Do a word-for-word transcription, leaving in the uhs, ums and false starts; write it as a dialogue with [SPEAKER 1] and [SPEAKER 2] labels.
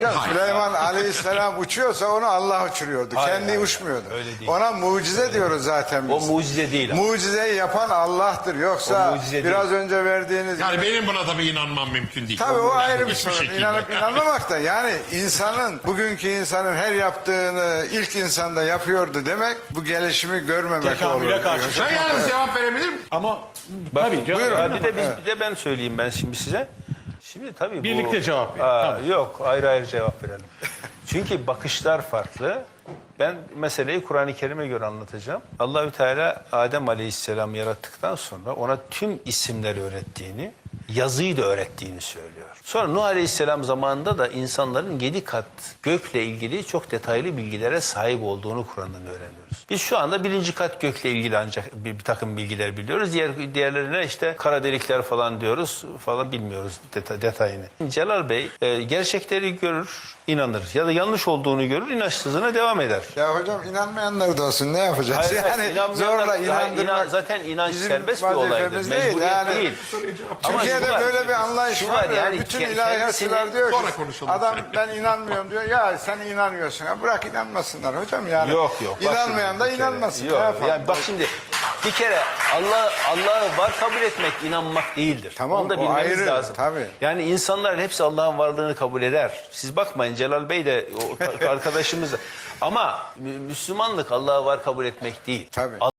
[SPEAKER 1] Ya Süleyman Aleyhisselam uçuyorsa onu Allah uçuruyordu.
[SPEAKER 2] Hayır,
[SPEAKER 1] Kendi
[SPEAKER 2] hayır,
[SPEAKER 1] uçmuyordu.
[SPEAKER 2] öyle değil.
[SPEAKER 1] Ona mucize öyle diyoruz zaten biz.
[SPEAKER 2] O mucize değil.
[SPEAKER 1] Mucizeyi yapan Allah'tır. Yoksa biraz değil. önce verdiğiniz...
[SPEAKER 3] Yani gibi... benim buna tabii inanmam mümkün değil.
[SPEAKER 1] Tabii o, o ayrı bir sorun.
[SPEAKER 3] Şekilde.
[SPEAKER 1] İnanıp inanmamak da. Yani insanın, bugünkü insanın her yaptığını ilk insanda yapıyordu demek, bu gelişimi görmemek
[SPEAKER 4] Tekamüle
[SPEAKER 1] olur.
[SPEAKER 4] karşı.
[SPEAKER 3] Sen yalnız cevap verebilir miyim?
[SPEAKER 4] Ama
[SPEAKER 2] Bak,
[SPEAKER 4] tabii canım.
[SPEAKER 2] buyurun. Bir de, biz, bir de ben söyleyeyim ben şimdi size. Şimdi tabii
[SPEAKER 4] Birlikte
[SPEAKER 2] bu,
[SPEAKER 4] cevap verin.
[SPEAKER 2] Aa,
[SPEAKER 4] Tamam.
[SPEAKER 2] Yok ayrı ayrı cevap verelim. Çünkü bakışlar farklı. Ben meseleyi Kur'an-ı Kerim'e göre anlatacağım. Allahü Teala Adem Aleyhisselam yarattıktan sonra ona tüm isimleri öğrettiğini, yazıyı da öğrettiğini söylüyor. Sonra Nuh Aleyhisselam zamanında da insanların yedi kat gökle ilgili çok detaylı bilgilere sahip olduğunu Kur'an'dan öğreniyoruz. Biz şu anda birinci kat gökle ilgili ancak bir, bir takım bilgiler biliyoruz. Diğer diğerlerine işte kara delikler falan diyoruz falan bilmiyoruz deta, detayını. Celal Bey e, gerçekleri görür, inanır ya da yanlış olduğunu görür, inançsızlığına devam eder.
[SPEAKER 1] Ya hocam inanmayanlar da olsun ne yapacağız?
[SPEAKER 2] Hayır,
[SPEAKER 1] yani
[SPEAKER 2] inanmayanlar-
[SPEAKER 1] zorla
[SPEAKER 2] hayır,
[SPEAKER 1] inandırmak
[SPEAKER 2] inan- zaten inanç
[SPEAKER 1] bizim
[SPEAKER 2] serbest bir olaydır.
[SPEAKER 1] vazifemiz değil.
[SPEAKER 2] Mecburiyet
[SPEAKER 1] Yani,
[SPEAKER 2] değil. Ama
[SPEAKER 1] Türkiye'de
[SPEAKER 2] şu var,
[SPEAKER 1] böyle bir anlayış
[SPEAKER 2] şu
[SPEAKER 1] var.
[SPEAKER 2] var
[SPEAKER 1] ya,
[SPEAKER 2] yani
[SPEAKER 1] bütün
[SPEAKER 2] ke-
[SPEAKER 1] ilahiyatçılar
[SPEAKER 2] kendisini-
[SPEAKER 1] diyor ki
[SPEAKER 3] Sonra konuşalım.
[SPEAKER 1] adam ben inanmıyorum diyor. Ya sen inanıyorsun. Ya bırak inanmasınlar hocam yani.
[SPEAKER 2] Yok yok. Bak
[SPEAKER 1] İnanmayan
[SPEAKER 2] şimdi
[SPEAKER 1] da
[SPEAKER 2] bir kere-
[SPEAKER 1] inanmasın. Ne
[SPEAKER 2] Yok.
[SPEAKER 1] yapalım?
[SPEAKER 2] Yani bak şimdi bir kere Allah Allah'ı var kabul etmek inanmak değildir.
[SPEAKER 1] Tamam,
[SPEAKER 2] Onu da
[SPEAKER 1] o
[SPEAKER 2] bilmemiz
[SPEAKER 1] ayrı,
[SPEAKER 2] lazım.
[SPEAKER 1] tabii.
[SPEAKER 2] Yani insanlar hepsi Allah'ın varlığını kabul eder. Siz bakmayın Celal Bey de o arkadaşımız da. Ama Müslümanlık Allah'ı var kabul etmek değil.
[SPEAKER 1] Tabii.